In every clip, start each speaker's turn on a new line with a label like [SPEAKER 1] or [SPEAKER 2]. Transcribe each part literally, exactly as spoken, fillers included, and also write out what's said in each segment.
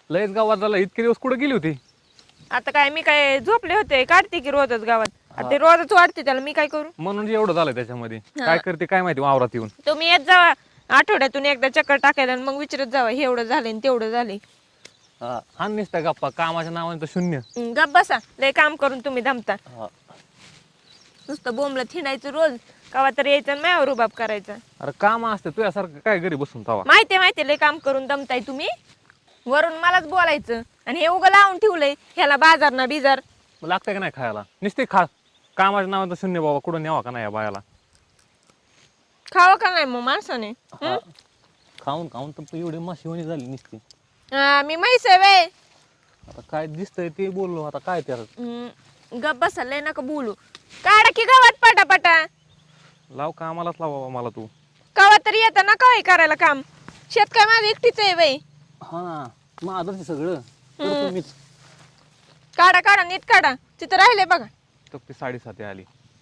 [SPEAKER 1] लयच गावात झाला. इतके दिवस कुठे गेली होती?
[SPEAKER 2] आता काय मी काय झोपले होते, काढते की रोजच गावात. आता ते रोजच वाटते त्याला, मी काय करू?
[SPEAKER 1] म्हणून एवढं झालं त्याच्यामध्ये. काय करते काय माहिती वावरात येऊन.
[SPEAKER 2] तुम्ही येत जावा आठवड्यातून एकदा चक्कर टाकायला आणि मग विचारत जावा हे एवढं झालंय आणि तेवढं झालंय.
[SPEAKER 1] हा नुसता गप्पा, कामाच्या नावाने तर शून्य.
[SPEAKER 2] हं, गप बसा, लय काम करून तुम्ही दमता. नुसतं बोंबलं थिंडायचं रोज, कवा तर यायचं आणि माझ्यावर रुबाब करायचा.
[SPEAKER 1] अरे काम असते तुझ्यासारखं काय घरी बसून तवा.
[SPEAKER 2] माहितीये माहितीये लय काम करून दमताय तुम्ही. वरून मलाच बोलायचं आणि हे उगं लावून ठेवलंय ह्याला बाजार ना बिजार.
[SPEAKER 1] लागतंय का नाही खायला? नुसते खा. कामाच्या नावाने तर शून्य बाबा. कुठं न्यावा का नाही या बायाला?
[SPEAKER 2] खावं का नाही मग माणसाने?
[SPEAKER 1] खाऊन खाऊन तर एवढी माशिवणी झाली नुसती.
[SPEAKER 2] हा, मी म्हैस आहे वे.
[SPEAKER 1] आता काय दिसतंय ते बोललो. आता काय त्याला
[SPEAKER 2] गप बसा, लय नका बोलू. काढा की गावात पटापटा.
[SPEAKER 1] लाव कामालाच लाव बाबा मला तू.
[SPEAKER 2] कवा तरी येतं ना काय करायला काम. शेत काय माझं एकटीच आहे वय.
[SPEAKER 1] हा ना, माझं सगळं करतो मीच.
[SPEAKER 2] काढा काढा नीट काढा. तिथं राहिले बघा.
[SPEAKER 1] तर ती साडेसाती आली.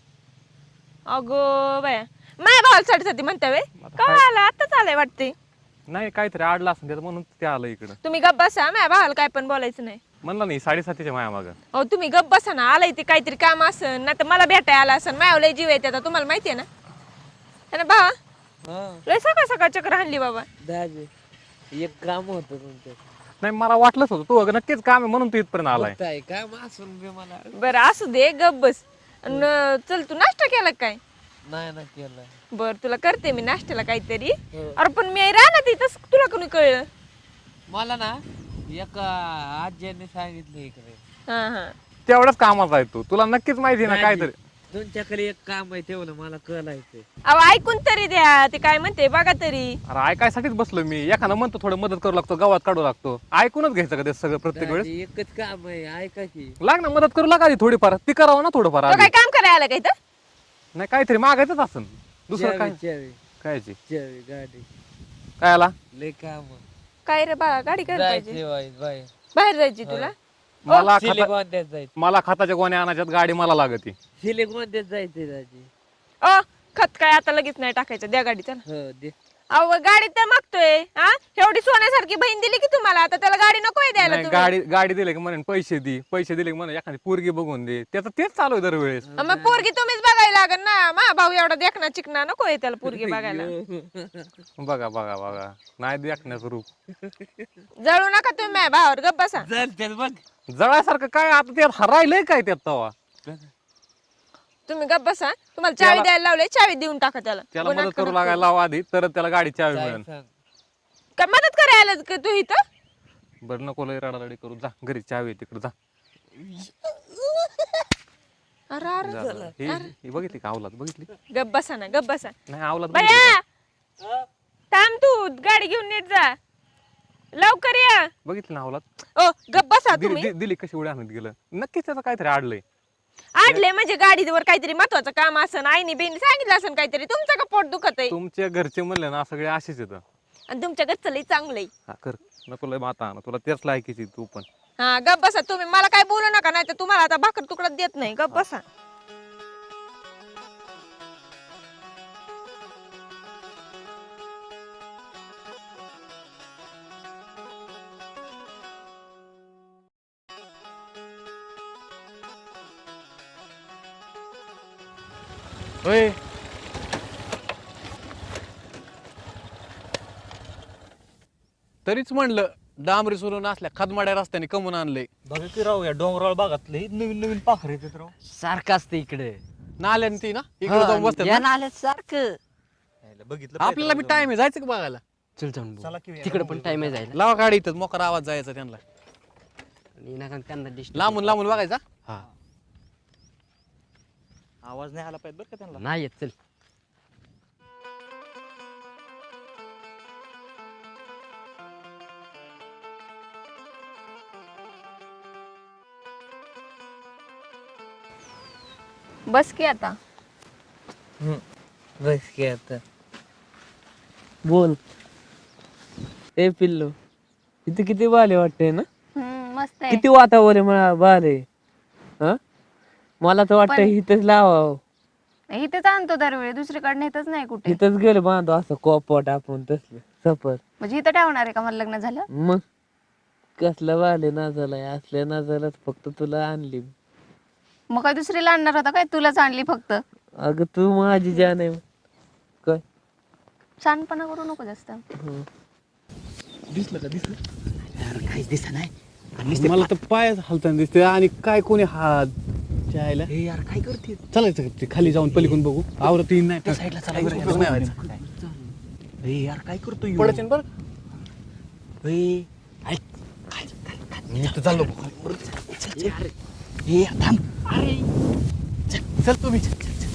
[SPEAKER 2] अगो बाया, माझ्या भावाला साडेसाती म्हणता वे. कवा आला? आताच आलाय वाटते.
[SPEAKER 1] नाही काहीतरी आडला असं त्यात म्हणून ते आलं इकडं.
[SPEAKER 2] तुम्ही गप बसा, माझ्या भावाला काय पण बोलायचं नाही.
[SPEAKER 1] म्हणलं नाही साडेसातीच्या माया मागं.
[SPEAKER 2] अहो तुम्ही गप बसा ना. आलाय ते काहीतरी काम असन, नाही तर मला भेटाय आला असन. माझ्या लय जीव येते आता, तुम्हाला माहितीये ना. है ना भावा? लय सकाळ सकाळ चक्र हाणली बाबा.
[SPEAKER 3] दाजी एक काम होत तुमचं.
[SPEAKER 1] नाही मला वाटलंच होतं तू अगं नक्कीच काम आहे म्हणून तू इथपर्यंत आलाय.
[SPEAKER 3] काय काम असून बी मला
[SPEAKER 2] बरं असू दे, गप बस. अन चल, तू नाश्ता केला काय?
[SPEAKER 3] नाही ना केलं.
[SPEAKER 2] बर, तुला करते मी नाश्त्याला काहीतरी. अरे पण मी राहणार तिथं, तुला कोणी कळलं?
[SPEAKER 3] मला ना एका आज्याने सांगितलं इकडे.
[SPEAKER 2] हा हा.
[SPEAKER 1] तेवढंच कामाचा आहे तू. तुला नक्कीच माहिती आहे ना काहीतरी.
[SPEAKER 3] तुमच्याकडे एक काम आहे तेवढं मला कळायचंय.
[SPEAKER 2] अहो ऐकून तरी द्या, ते काय म्हणते बघा तरी.
[SPEAKER 1] अरे ऐकायसाठीच बसलो मी. एखादा म्हणतो थोडं मदत करू लागतो, गावात काढू लागतो. ऐकूनच घ्यायचं का ते सगळं प्रत्येक वेळेस?
[SPEAKER 3] दाजी, एकच काम आहे, ऐका की.
[SPEAKER 1] लाग ना मदत करू लागा आधी थोडीफार. ती करावं ना थोडंफार
[SPEAKER 2] तो
[SPEAKER 1] आधी.
[SPEAKER 2] काय काम करायला आला काय तर?
[SPEAKER 1] नाही काहीतरी मागायचंच असं. दुसरं काय?
[SPEAKER 3] चावी चावी
[SPEAKER 1] कायची
[SPEAKER 3] चावी गाडी
[SPEAKER 1] काय आला?
[SPEAKER 3] लय काम
[SPEAKER 2] काय रे बाळा, गाडी करायला पाहिजे.
[SPEAKER 3] जायचे बाई बाई
[SPEAKER 2] बाहेर जायची तुला?
[SPEAKER 1] मला खाता-
[SPEAKER 3] सिलिकॉन जायचं.
[SPEAKER 1] मला खताच्या गोण्या आणायच्यात, गाडी मला लागती.
[SPEAKER 3] सिलिकॉन जायचंय दाजी.
[SPEAKER 2] अ खत काय आता लगेच नाही टाकायचं, द्या गाडी चला.
[SPEAKER 3] हो दे.
[SPEAKER 2] अहो गाडी तर मागतोय. हा, एवढी सोन्यासारखी बहीण दिली की तुम्हाला, आता त्याला गाडी नकोय द्यायला
[SPEAKER 1] नाही,
[SPEAKER 2] तुम्ही?
[SPEAKER 1] गाडी गाडी दिली की म्हणेन पैसे दे, पैसे दिले की म्हणे एखादी पोरगी बघून दे. त्याचं तेच चालू आहे दरवेळेस.
[SPEAKER 2] अ, मग पोरगी तुम्हीच बघायला लागल ना. मा भाऊ एवढा देखना चिकना नकोय त्याला पोरगी बघायला.
[SPEAKER 1] बघा बघा बघा, नाही देखण्याचं रूप.
[SPEAKER 2] जळू नका तुम्ही माझ्या भावावर, गप बसा.
[SPEAKER 3] चल चल बघ.
[SPEAKER 1] जळासारखं काय आता त्यात हरायलंय काय त्यात तवा?
[SPEAKER 2] तुम्ही गप बसा. तुम्हाला चावी द्यायला लावले, चावी देऊन टाका त्याला.
[SPEAKER 1] त्याला
[SPEAKER 2] गुन्हा
[SPEAKER 1] मदत करू
[SPEAKER 2] नको.
[SPEAKER 1] लागायला लावा आधी, तरच त्याला गाडी चावी
[SPEAKER 3] काय
[SPEAKER 1] मिळेल.
[SPEAKER 3] सांग.
[SPEAKER 2] काय मदत करायला का तू इथं?
[SPEAKER 1] बरं नको लय रडारडी करू. जा घरी चावी आहे तिकडे जा.
[SPEAKER 2] अरे अरे
[SPEAKER 1] जा, जा. हे हे बघितली का अवलाद? बघितली
[SPEAKER 2] गप बसा ना, गप बसा.
[SPEAKER 1] नाही अवलाद बघितली
[SPEAKER 2] बया
[SPEAKER 1] का?
[SPEAKER 2] थांब, तू गाडी घेऊन नीट जा, लवकर या.
[SPEAKER 1] बघितली ना अवलाद?
[SPEAKER 2] ओ गप बसा
[SPEAKER 1] दिली
[SPEAKER 2] तुम्ही.
[SPEAKER 1] दि- दिली कशी उड्या आणत गेलं. नक्कीच त्याचं काहीतरी आडलंय.
[SPEAKER 2] आडले म्हणजे गाडीवर काहीतरी महत्वाचं काम असन, आईने बेनी सांगितलं असन काहीतरी. तुमचं का पोट दुखत आहे?
[SPEAKER 1] तुमच्या घरचे म्हणले ना सगळे असेच येतं.
[SPEAKER 2] आणि तुमच्या घरचं लई चांगलंय.
[SPEAKER 1] हा कर, नको लय माता ना, तुला तेच लायकीची तू पण.
[SPEAKER 2] हा गप बसा तुम्ही. मला काय बोलू नका, नाही तर तुम्हाला आता भाकर तुकडा देत नाही. गप बसा.
[SPEAKER 1] होय तरीच म्हणलं डांबरी सोलून असल्या खदमाड्या रस्त्याने कमून आणलंय.
[SPEAKER 4] बघा की राव, या डोंगराळ भागातले नवीन नवीन पाखरे येतात राव.
[SPEAKER 3] सारखं असतं इकडे.
[SPEAKER 1] नाल्याने ती ना इकडे जाऊन बसतात ना.
[SPEAKER 3] आले सारखं.
[SPEAKER 4] यायला बघितलं पाहिजे
[SPEAKER 1] आपल्याला बी
[SPEAKER 4] राव
[SPEAKER 1] टाइम आहे जायचं का बघायला?
[SPEAKER 3] चल जाऊन
[SPEAKER 4] चला की
[SPEAKER 3] तिकडे पण टाइम आहे जायला.
[SPEAKER 1] लावा गाडी इथं, मोकार आवाज जायचा त्यांना.
[SPEAKER 3] आणि नका त्यांना disturb
[SPEAKER 1] लांबून लांबून बघायचा.
[SPEAKER 3] हा
[SPEAKER 4] आवाज नाही आला पाहिजे बरं का त्यांना.
[SPEAKER 3] नाही येत. चल
[SPEAKER 2] बस की आता.
[SPEAKER 3] बस की आता. बोल. ए पिल्लू, इथे किती बाले वाटते ना?
[SPEAKER 5] मस्त आहे.
[SPEAKER 3] किती वातावरण मला बाले. हा, मला तर वाटतं
[SPEAKER 5] पण-
[SPEAKER 3] इथंच लावावं.
[SPEAKER 5] इथेच आणतो दरवेळी, दुसरीकडे नेतच नाही कुठे.
[SPEAKER 3] इथंच गेलं बांधव असं कोपट आपण तसलं सफर.
[SPEAKER 5] म्हणजे इथं ठेवणार आहे का मला लग्न झालं?
[SPEAKER 3] मग कसला वाले नाचालाय असल्या नाचालाच फक्त तुला आणली मी.
[SPEAKER 5] मग काय दुसरीला आणणार होता काय? तुलाच आणली फक्त.
[SPEAKER 3] अगं तू माझी जान आहे काय.
[SPEAKER 5] शहाणपणा करू नको जास्त.
[SPEAKER 3] हं.
[SPEAKER 1] दिसलं का दिसलं
[SPEAKER 4] यार काहीच दिसत नाही
[SPEAKER 1] मला तर पायच हलताना दिसते आणि काय कोणी हात जायला
[SPEAKER 4] हे यार काय करते
[SPEAKER 1] चालायचं का ते खाली जाऊन पलीकडून बघू आवरत येईन नाही
[SPEAKER 4] त्या साईडला चला
[SPEAKER 1] काही
[SPEAKER 4] बरं.
[SPEAKER 1] उपयोग नाही व्हायचा.
[SPEAKER 4] हे यार काय करतोय ह्यो?
[SPEAKER 1] पडायचं बरं
[SPEAKER 4] हे, ऐक, खाली, खाली, खाली.
[SPEAKER 1] मी तर चाललो
[SPEAKER 4] चल, चल, अरे. हे थांब अरे चल चल तुम्ही चल, चल, चल.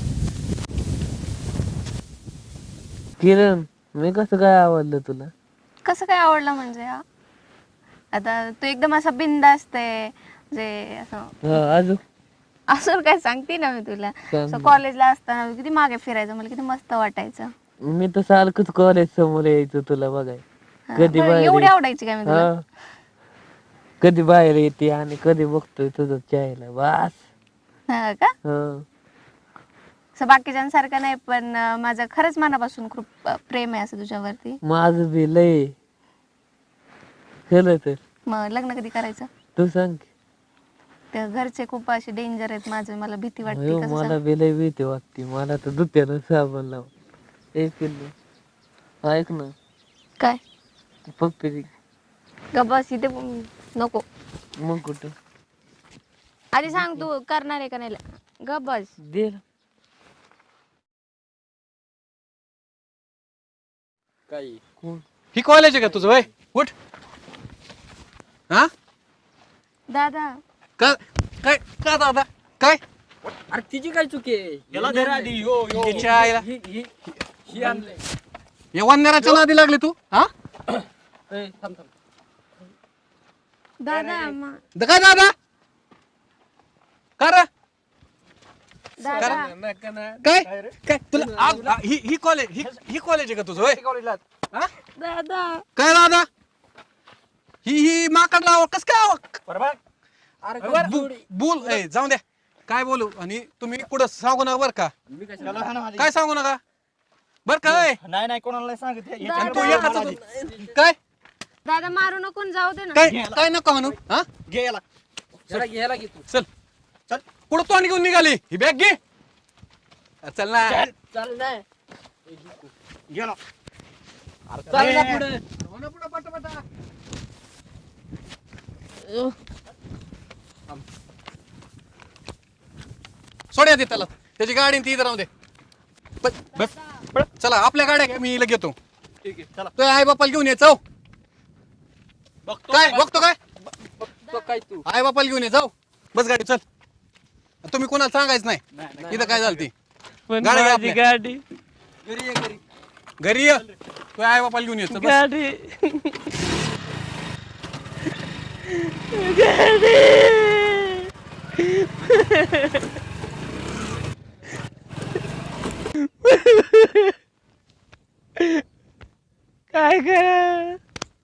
[SPEAKER 3] किरण मी कसं काय आवडलं तुला?
[SPEAKER 5] कसं काय आवडलं म्हणजे हा? आता तू एकदम असा बिंदास्त आहे म्हणजे असं
[SPEAKER 3] हा अजून
[SPEAKER 5] असं काय सांगते ना मी तुला.
[SPEAKER 3] सांग.
[SPEAKER 5] कॉलेजला असताना किती मागे फिरायचं, मला किती मस्त वाटायचं.
[SPEAKER 3] मी तर सारखंच कॉलेज समोर यायचं तुला बघाय.
[SPEAKER 5] हा,
[SPEAKER 3] कधी
[SPEAKER 5] बरं,
[SPEAKER 3] बाहेर
[SPEAKER 5] एवढी
[SPEAKER 3] ये-
[SPEAKER 5] आवडायची काय मी तुला?
[SPEAKER 3] हा कधी बाहेर येते आणि कधी बघतोय तुझं चायला बस.
[SPEAKER 5] हा का?
[SPEAKER 3] हा
[SPEAKER 5] असं बाकीच्यांसारखं नाही, पण अं, माझं खरंच मनापासून खूप अं, प्रेम आहे असं तुझ्यावरती.
[SPEAKER 3] माझं बी लय खरं तर.
[SPEAKER 5] मग लग्न कधी करायचं?
[SPEAKER 3] तू सांग की.
[SPEAKER 5] ते घरचे खूप असे डेंजर आहेत माझे, मला भीती वाटते.
[SPEAKER 3] अयो,
[SPEAKER 5] कसं
[SPEAKER 3] मला
[SPEAKER 5] सांग?
[SPEAKER 3] बी लय भीती वाटते. मला तर दुत्यानं साबण लाव. ए पिल्लू ऐक ना
[SPEAKER 5] काय
[SPEAKER 3] पप्पी
[SPEAKER 5] ग बस इथे बोल- नको.
[SPEAKER 3] मग कुठं
[SPEAKER 5] आधी सांग तू करणार आहे का नाही. ग बस.
[SPEAKER 3] दे ना. कोण?
[SPEAKER 1] ही कॉलेज आहे का तुझं वय उठ हा
[SPEAKER 5] दादा
[SPEAKER 1] का काय का दादा काय
[SPEAKER 3] अरे तिची काय चुकी आहे?
[SPEAKER 4] याला धर आधी यो यो
[SPEAKER 1] तिच्या आईला
[SPEAKER 3] ही ही ही आणलंय.
[SPEAKER 1] या वंदराच्या नादी लागली तू हा
[SPEAKER 3] ए, थांब थांब.
[SPEAKER 5] दादा मा-
[SPEAKER 1] द- काय दादा कर
[SPEAKER 5] दादा
[SPEAKER 3] नका ना.
[SPEAKER 1] काय काय तुला आ- आ- ही ही कॉलेज ही ही कॉलेज आहे का तुझं वय हा?
[SPEAKER 5] दादा
[SPEAKER 1] काय दादा ही ही माकड लावा कस काय आवा?
[SPEAKER 4] बरोबर
[SPEAKER 3] अरे
[SPEAKER 1] बु- बोल ए जाऊ द्या काय बोलू आणि तुम्ही पुढं सांगू नका बर का
[SPEAKER 3] मी कशाला-
[SPEAKER 4] याला हाणा आधी.
[SPEAKER 1] काय सांगू नका बर का ए?
[SPEAKER 4] नाही नाही कोणाला नाही सांगत हे.
[SPEAKER 5] दादा.
[SPEAKER 1] आणि तू
[SPEAKER 4] याच्याकडे
[SPEAKER 1] एकाच
[SPEAKER 4] हाणा आधी.
[SPEAKER 1] काय
[SPEAKER 5] दादा मारू नको न जाऊ दे ना.
[SPEAKER 1] काय काय नको म्हणू हा
[SPEAKER 4] घे याला
[SPEAKER 3] याला घे, याला घे तू.
[SPEAKER 1] चल
[SPEAKER 4] चल
[SPEAKER 1] पुढं तोंड घेऊन निघाली ही बॅग घे चल ना
[SPEAKER 4] चल
[SPEAKER 3] चाल नाही.
[SPEAKER 4] गेला
[SPEAKER 3] चाल ना पुढे.
[SPEAKER 1] सोड्या दे त्याला त्याची गाडी ती इथं राहू दे बस बस पळ. चला आपल्या गाड्या घ्या मी हिला घेतो
[SPEAKER 4] ठीक आहे चला
[SPEAKER 1] तो आई बापाला घेऊन ये जाऊ
[SPEAKER 4] बघतो
[SPEAKER 1] काय बघतो काय
[SPEAKER 3] तो काय तू
[SPEAKER 1] आई बापाला घेऊन ये जाऊ बस गाडी चल तुम्ही कोणाला सांगायचं नाही
[SPEAKER 4] नाही, नाही.
[SPEAKER 1] इथं काय झालं ती
[SPEAKER 3] पण
[SPEAKER 1] गाडी घ्या
[SPEAKER 3] माझी
[SPEAKER 1] आपल्या.
[SPEAKER 3] गाडी
[SPEAKER 4] घरी ये घरी
[SPEAKER 1] घरी ये तो आई बापाला घेऊन येतो बस
[SPEAKER 3] गाडी काय करा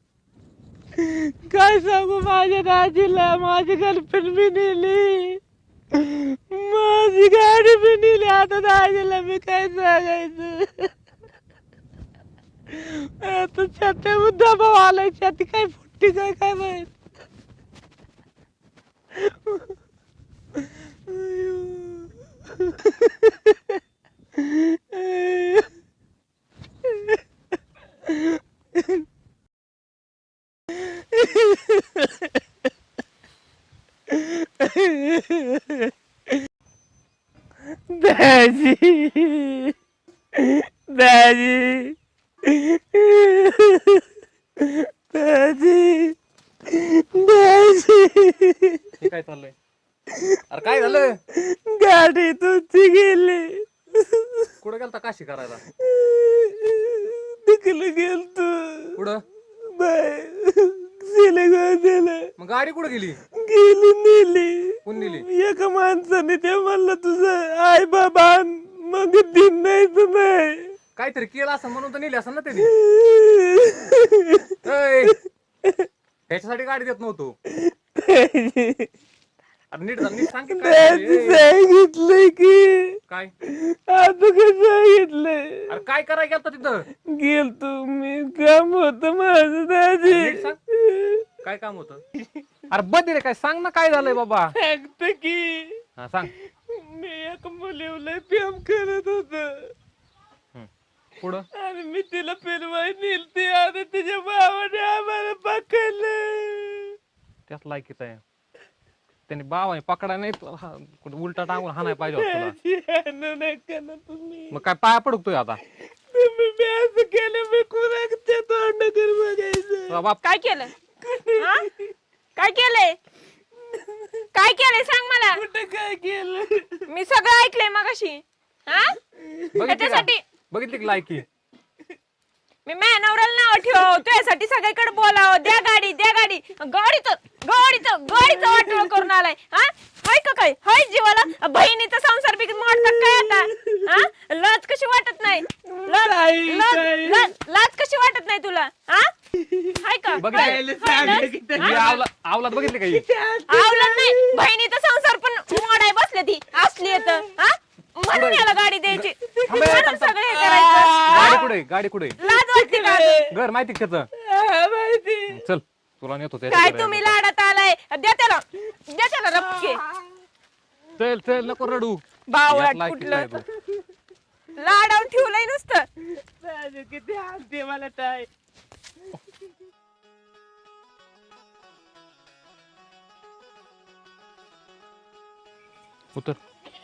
[SPEAKER 3] काय सांगू माझ्या दाजीला माझी गर्लफ्रेंड बी नेली माझी गाडी बी नेली आता दाजीला मी काय सांगायचं आता छाती मुद्दा भाऊ आलाय छाती काय फुटती काय काय माहित दाजी दाजी दाजी दाजी
[SPEAKER 1] हे काय चाललंय अरे काय झालं
[SPEAKER 3] गाडी तुमची गेली
[SPEAKER 1] कुठं गेलता काशी करायला
[SPEAKER 3] तिकडे गेलतो
[SPEAKER 1] कुठं
[SPEAKER 3] बाय सिलेगाव दिलं
[SPEAKER 1] मग गाडी कुठं गेली
[SPEAKER 3] गेली नेली
[SPEAKER 1] कोण नेली
[SPEAKER 3] एका माणसाने ते म्हणलं तुझं आई बाबा आण. मग दिन नाही तर नाही
[SPEAKER 1] काहीतरी केलं असं म्हणून तर नेली असं ना त्यांनी ऐ, ह्याच्यासाठी गाडी देत नव्हतो अरे नीट झालं नीट सांग की काय
[SPEAKER 3] दाजी
[SPEAKER 1] झालं, ऐ,
[SPEAKER 3] सांगितलंय की
[SPEAKER 1] काय
[SPEAKER 3] आता कसं सांगितलंय
[SPEAKER 1] अरे काय करायला गेलता तिथं
[SPEAKER 3] गेलतो मी काम होत माझं दाजी
[SPEAKER 1] नीट सांग काय काम होतं? अरे बदली रे, काय सांग ना काय झालंय बाबा.
[SPEAKER 3] सांगतो की
[SPEAKER 1] हा सांग.
[SPEAKER 3] मी एक मुलीला प्रेम करत होतो
[SPEAKER 1] पुढं
[SPEAKER 3] आणि मी तिला फिरवाय नेलते आणि तिच्या भावाने आम्हाला पकडलं.
[SPEAKER 1] त्याच लायकीच आहे. त्याने बाबाने पकडा नाही तो हा, कुठं उलटा टांगून हाणाय पाहिजे होता तुला.
[SPEAKER 3] आणू नका ना तुम्ही.
[SPEAKER 1] मग काय पाया पडतोय आता.
[SPEAKER 3] तुम्ही मी असं केलं मी कुणाच्या तोंडाकडे बघायचं.
[SPEAKER 1] बाप
[SPEAKER 2] काय केलं हा? काय केलंय काय केलंय सांग मला.
[SPEAKER 3] कुठं काय केलं?
[SPEAKER 2] मी सगळं ऐकलंय मगाशी. हा
[SPEAKER 1] बघितली का?
[SPEAKER 2] त्याच्यासाठी
[SPEAKER 1] बघितली की लायकी.
[SPEAKER 2] मी माझ्या नवऱ्याला नाव ठेव तुझ्यासाठी सगळीकडे बोलावं. द्या गाडी द्या गाडी गाडीचं गाडीचं गाडीचं वाटोळ करून आलाय. हा हाय का काय हाय जीवाला बहिणीचा संसार बी मोडतात काय आता. हा लाज कशी वाटत नाही. लाज
[SPEAKER 3] ताई,
[SPEAKER 2] लाज
[SPEAKER 3] ताई.
[SPEAKER 2] लाज- लाज कशी वाटत नाही तुला. हा हाय का
[SPEAKER 1] बघितली
[SPEAKER 2] हाय
[SPEAKER 3] सांगितलं की
[SPEAKER 1] ही आवला- आवलात बघितली का ही?
[SPEAKER 2] आवलं नाही बहिणीचा संसार पण मोडाय बसले ती असली येत. हा म्हणून याला गाडी द्यायची
[SPEAKER 1] थांबे,
[SPEAKER 2] म्हणून
[SPEAKER 1] थांब, थांब.
[SPEAKER 2] सगळं हे करायचं.
[SPEAKER 1] गाडी कुठे गाडी कुठे
[SPEAKER 2] लाज वाटते का अजून?
[SPEAKER 1] घर माहिती का त्याचं?
[SPEAKER 3] हा, माहिती.
[SPEAKER 1] चल तुला नेतो
[SPEAKER 2] काय
[SPEAKER 1] त्याच्याकडे.
[SPEAKER 2] तुम्ही लाडात आलाय. द्या त्याला द्या त्याला रपके.
[SPEAKER 1] चल चल नको रडू.
[SPEAKER 2] बावळाट
[SPEAKER 1] यात लायकीचं आहे
[SPEAKER 2] कुठलं
[SPEAKER 1] तू.
[SPEAKER 2] लाडावून ठेवलंय नुसतं.
[SPEAKER 3] राजू किती हानते मला ताई.
[SPEAKER 1] उतर.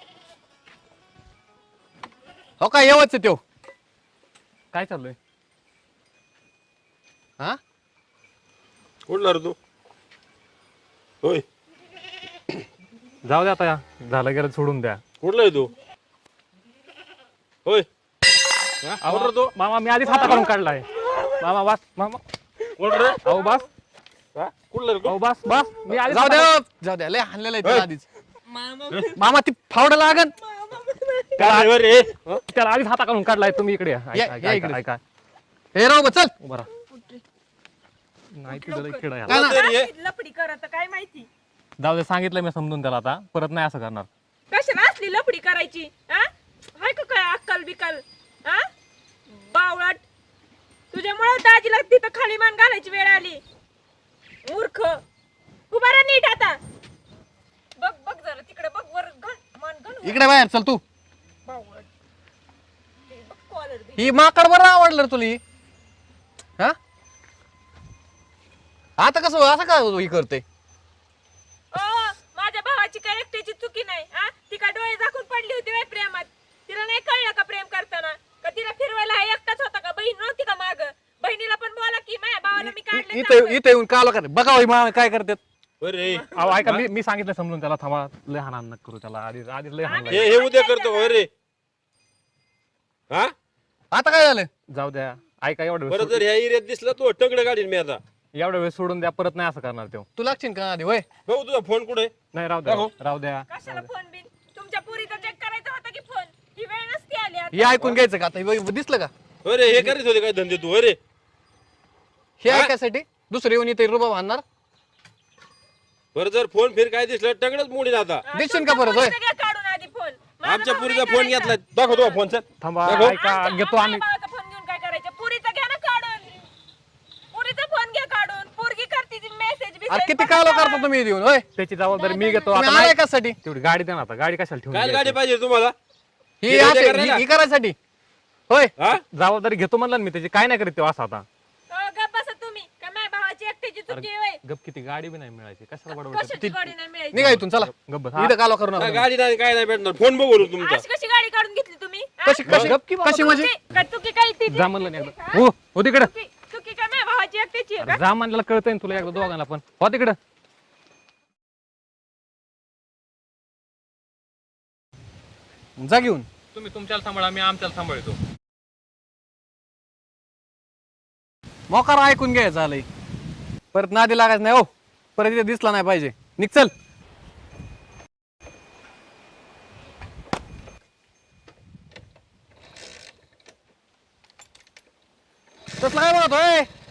[SPEAKER 1] हो काय येवच त्यो. काय चाललंय? हा
[SPEAKER 6] कुठला रे तू? होय,
[SPEAKER 1] जाऊ दे आता. झालं गेलं सोडून द्या.
[SPEAKER 6] कुठला आहे तू? होय,
[SPEAKER 1] अहो, मामा मी आधीच हाता काढून काढलाय. मामा बस मामा.
[SPEAKER 6] कोण रे?
[SPEAKER 1] अहो बस
[SPEAKER 6] हा? कुठला रे तू?
[SPEAKER 1] अहो बस बस मी आधीच
[SPEAKER 4] जाऊ
[SPEAKER 1] हाता
[SPEAKER 4] द्या
[SPEAKER 1] काढून-
[SPEAKER 4] जाऊ द्या लय हाणलेलं आहे त्याला
[SPEAKER 6] होय.
[SPEAKER 4] आधीच. मामा ती फावडं लागन.
[SPEAKER 6] काय रे रे? हं?
[SPEAKER 1] त्याला आधीच हाता काढून काढलाय. तुम्ही इकडे या. ऐका,
[SPEAKER 4] या-
[SPEAKER 1] ऐका,
[SPEAKER 4] या
[SPEAKER 1] ऐका,
[SPEAKER 4] इकडे.
[SPEAKER 1] ऐका.
[SPEAKER 4] हे राव चल.
[SPEAKER 1] उभा राहा. नाही तुझं किडा याला.
[SPEAKER 4] काय ना?
[SPEAKER 6] कोण रे हे?
[SPEAKER 2] लपडी करत काय माहिती
[SPEAKER 1] जाऊ दे सांगितलं मी समजून त्याला आता परत नाही असं करणार.
[SPEAKER 2] कशाला असली लपडी करायची. हा हाय का काय अक्कल बिकल. हा बावळाट तुझ्यामुळे दाजीला तिथं खाली मान घालायची वेळ आली. मूर्ख उभा राहा नीट आता. बघ बघ जरा तिकडे बघ वर घाल मान घाल
[SPEAKER 4] इकडे बाहेर चल तू.
[SPEAKER 2] बावळाट ते बघ कॉलर बी.
[SPEAKER 4] ही माकड बरं आवडलं रे तुला ही? हा आता कसं असं का ही करते?
[SPEAKER 2] ओ माझ्या भावाची काय एकट्याची चुकी नाही. हा ती काय डोळे झाकून पडली होती बाई प्रेमात. तिला नाही कळलं का प्रेम करताना. का तिला फिरवायला हा एकटाच होता का बहीण नव्हती का माग. बहिणीला पण बोला की माझ्या भावाला मी काढले
[SPEAKER 4] इथे इथे येऊन काला कर बघा ही मामा काय करतात.
[SPEAKER 6] होय रे.
[SPEAKER 1] अहो ऐका मी मी सांगितलं समजून त्याला. थांबा लय हाणान नका करू त्याला. आधीच आधीच लय हाणलाय.
[SPEAKER 6] हे हे उद्या करतो होय रे. हा?
[SPEAKER 4] आता काय झालं?
[SPEAKER 1] जाऊ द्या. ऐका एवढं
[SPEAKER 6] परत
[SPEAKER 1] वेळ
[SPEAKER 6] जर ह्या एरियात दिसला तो टगडं गाडीन मी आता.
[SPEAKER 1] एवढा वेळ सोडून द्या. परत नाही असं करणार तो.
[SPEAKER 4] तू लागशील का आधी होय?
[SPEAKER 6] भाऊ तुझा फोन कुठे?
[SPEAKER 1] नाही राहू द्या
[SPEAKER 6] राहू.
[SPEAKER 1] राहू द्या.
[SPEAKER 2] कशाला फोन बिन तुमच्या पुरीचा चेक करायचा होता की फोन. ही वेळ नसती आली आता.
[SPEAKER 4] हे ऐकून घ्यायचं का आता? हे बघ, दिसलं का?
[SPEAKER 6] होय रे, हे करीत होते काय धंदे तू? होय रे.
[SPEAKER 4] हे
[SPEAKER 6] हा?
[SPEAKER 4] ऐकायसाठी दुसरे येऊन इथे रुबा बांधणार.
[SPEAKER 6] बरं जर फोन फिर काय दिसलं टगडच मोडीन आता.
[SPEAKER 2] हा,
[SPEAKER 4] दिसशील
[SPEAKER 2] तुमच्या
[SPEAKER 4] का परत, होय?
[SPEAKER 2] पुरीचा घ्या काढून आधी फोन. माझा
[SPEAKER 6] आमच्या
[SPEAKER 2] भाऊ
[SPEAKER 6] पुरीचा
[SPEAKER 2] नाही
[SPEAKER 6] फोन
[SPEAKER 2] करायचा.
[SPEAKER 6] घेतला. दाखव तो फोन चल.
[SPEAKER 1] थांबा
[SPEAKER 6] दाखव.
[SPEAKER 1] ऐका
[SPEAKER 2] आमच्या-
[SPEAKER 1] घेतो आम्ही.
[SPEAKER 2] माझ्या भावाचा फोन घेऊन काय करायचं. पुरीचा घ्या ना काढून. पुरीचा फोन घ्या काढून. पोरगी करते मेसेज
[SPEAKER 4] अरे किती कालो करता तुम्ही इथे येऊन होय?
[SPEAKER 1] त्याची जबाबदारी मी घेतो.
[SPEAKER 4] तुम्ही
[SPEAKER 1] आता
[SPEAKER 4] आलाय
[SPEAKER 1] नाही-
[SPEAKER 4] कशासाठी?
[SPEAKER 1] तेवढी गाडी दे ना आता. गाडी कशाला
[SPEAKER 6] काय गाडी
[SPEAKER 1] ठेवून
[SPEAKER 6] पाहिजे तुम्हाला?
[SPEAKER 4] ही
[SPEAKER 6] हे उद्या
[SPEAKER 4] असे-
[SPEAKER 6] करायला?
[SPEAKER 4] ही ही करायसाठी होय?
[SPEAKER 6] हा?
[SPEAKER 1] जबाबदारी घेतो म्हणलं ना मी त्याची. काय नाही करीत तो असं आता.
[SPEAKER 2] गप्प बसा तुम्ही. का माझ्या भावाची एकट्याची चुकी आहे होय?
[SPEAKER 1] गप किती गाडी बी नाही मिळायची. कशाला बडबड
[SPEAKER 2] कशाची गाडी नाही मिळायची.
[SPEAKER 4] निघा इथून चला.
[SPEAKER 1] गप बस.
[SPEAKER 4] इथं कालो करू
[SPEAKER 6] काय
[SPEAKER 4] नका.
[SPEAKER 6] गाडी नाही काय नाही भेटणार. फोन बघू तुमचा.
[SPEAKER 2] अशी कशी गाडी काढून घेतली तुम्ही. हा?
[SPEAKER 4] कशी कशी
[SPEAKER 1] गप की बाबा
[SPEAKER 4] कशी म्हणजे?
[SPEAKER 2] चुकी- का चुकी काय तिची?
[SPEAKER 1] जा म्हणलं नाही एकदा. हो हो तिकडं.
[SPEAKER 2] चुकी चुकी काय माझ्या भावाची एकट्याची आहे का?
[SPEAKER 1] जा म्हणलं कळतंय ना तुला एकदा दोघांना पण. हो तिकडं.
[SPEAKER 4] जा घेऊन.
[SPEAKER 1] तुम्ही तुमच्याला सांभाळा. मी आमच्याला सांभाळतो.
[SPEAKER 4] मोकार ऐकून घ्यायचं आलंय. परत नादी लागायचं नाही हो. परत इथे दिसला नाही पाहिजे. निघ चल. तसला काय म्हणत होय?